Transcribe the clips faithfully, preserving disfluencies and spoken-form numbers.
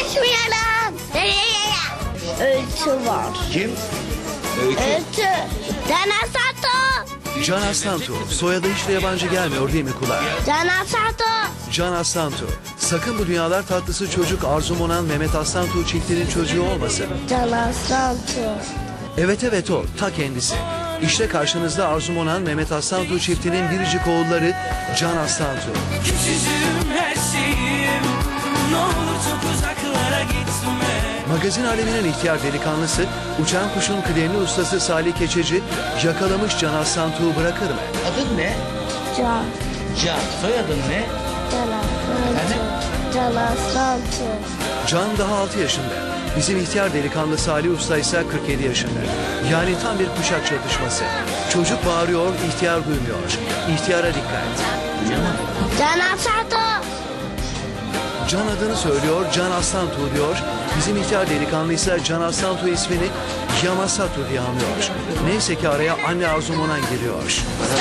Konuşmayalım. Öykü var. Kim? Öykü. Öykü. Can Aslantu. Can Aslantu. Soyadı hiç de yabancı gelmiyor değil mi kulağa? Can Aslantu. Can Aslantu. Sakın bu dünyalar tatlısı çocuk Arzu Monan Mehmet Aslantu çiftinin çocuğu olmasın. Can Aslantu. Evet evet o. Ta kendisi. İşte karşınızda Arzu Monan Mehmet Aslantu çiftinin biricik oğulları Can Aslantu. Küçücüğüm her şeyim, ne olur çok uzaklara gitme. Magazin aleminin ihtiyar delikanlısı, uçan kuşun kıdemli ustası Salih Keçeci yakalamış Can Aslantu'yu bırakır mı? Adın ne? Can. Can. Soyadın ne? Can Aslantu. Can Aslantu. Can daha altı yaşında. Bizim ihtiyar delikanlı Salih Usta ise kırk yedi yaşında. Yani tam bir kuşak çatışması. Çocuk bağırıyor, ihtiyar duymuyor. İhtiyara dikkat. Can Aslantu. Can adını söylüyor, Can Aslantu diyor. Bizim ihtiyar delikanlı ise Can Aslantu ismini Yamasatu diye anlıyor. Neyse ki araya anne Arzu Monan giriyor.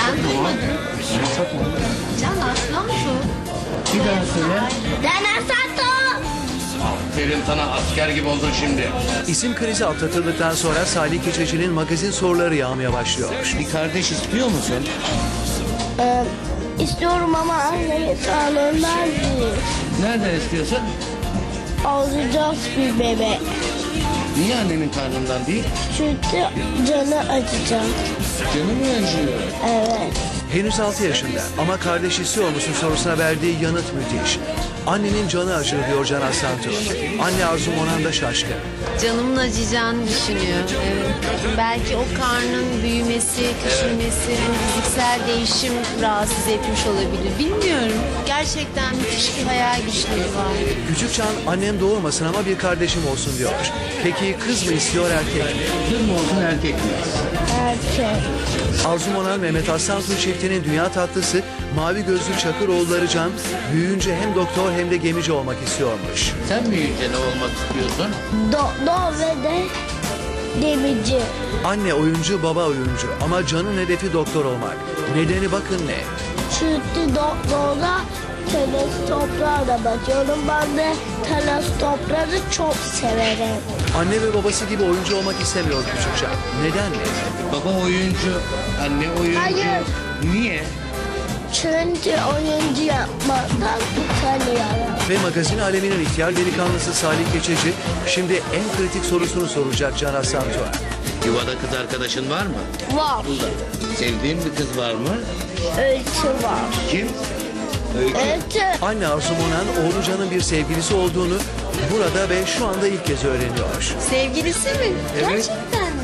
Can Aslantu. Bir daha söyle. Can Aslantu. Aferin sana, asker gibi oldun şimdi. İsim krizi atlatıldıktan sonra Salih Keçeci'nin magazin soruları yağmaya başlıyor. Bir kardeş istiyor musun? Ee, istiyorum ama annemin sağlığından değil. Nereden istiyorsun? Alacağız bir bebek. Niye annenin karnından değil? Çünkü canı acıyacak. Canı mı acıyor? Evet. Henüz altı yaşında ama kardeş istiyor musun sorusuna verdiği yanıt müthiş. Annenin canı acır diyor Can Aslantu. Anne Arzu Monan da şaşkın. Canımın acıyacağını düşünüyor. Evet. Belki o karnın büyümesi, küçülmesi, hani fiziksel değişim rahatsız etmiş olabilir. Bilmiyorum. Gerçekten müthiş bir hayal güçleri var. Küçük Can annem doğurmasın ama bir kardeşim olsun diyor. Peki kız mı istiyor erkek mi? Kız mı olsun erkek mi? Erkek. Arzu Monan Mehmet Aslantu çiftinin dünya tatlısı mavi gözlü Çakır oğulları Can büyüyünce hem doktor hem de gemici olmak istiyormuş. Sen büyüyünce ne olmak istiyorsun? Doktor ve de gemici. Anne oyuncu baba oyuncu ama Can'ın hedefi doktor olmak. Nedeni bakın ne? Çünkü doktorda teleskoplarla bakıyorum. Ben de teleskopları çok severim. Anne ve babası gibi oyuncu olmak istemiyor küçük Can. Neden mi? Baba oyuncu, anne oyuncu. Hayır. Niye? Çünkü oyuncu yapmaktan utanıyorum. Ve magazin aleminin ihtiyar delikanlısı Salih Keçeci şimdi en kritik sorusunu soracak Can Aslantu'ya. Yuvada kız arkadaşın var mı? Var. Sevdiğin bir kız var mı? Öykü var. Kim? Öykü. Öykü. Anne Arzu Monan oğlu Can'ın bir sevgilisi olduğunu burada ve şu anda ilk kez öğreniyor. Sevgilisi mi? Evet. Gerçekten mi?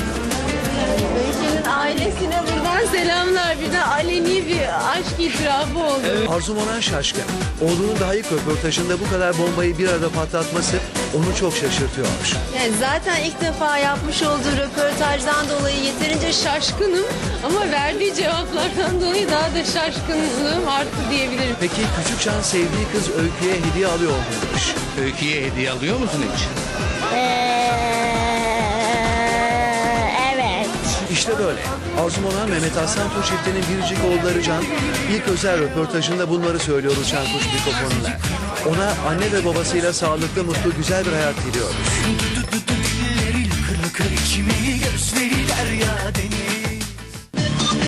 Öykü'nün ailesine buradan selamlar. Bir de aleni bir aşk itirafı oldu. Arzu Monan şaşkın. Oğlunun daha ilk röportajında bu kadar bombayı bir arada patlatması onu çok şaşırtıyor. Yani zaten ilk defa yapmış olduğu röportajdan dolayı yeterince şaşkınım. Ama verdiği cevaplardan dolayı daha da şaşkınlığım arttı diyebilirim. Peki küçük Can sevdiği kız Öykü'ye hediye alıyor muymuş? Öykü'ye hediye alıyor musun hiç? Ee, evet. İşte böyle. Arzu Monan Mehmet Aslantu çiftinin biricik oğulları Can ilk özel röportajında bunları söylüyor uçan kuş mikrofonuna. Ona anne ve babasıyla sağlıklı, mutlu, güzel bir hayat diliyoruz. Dilleri lıkır lıkır, kimi gözleri derya deniz.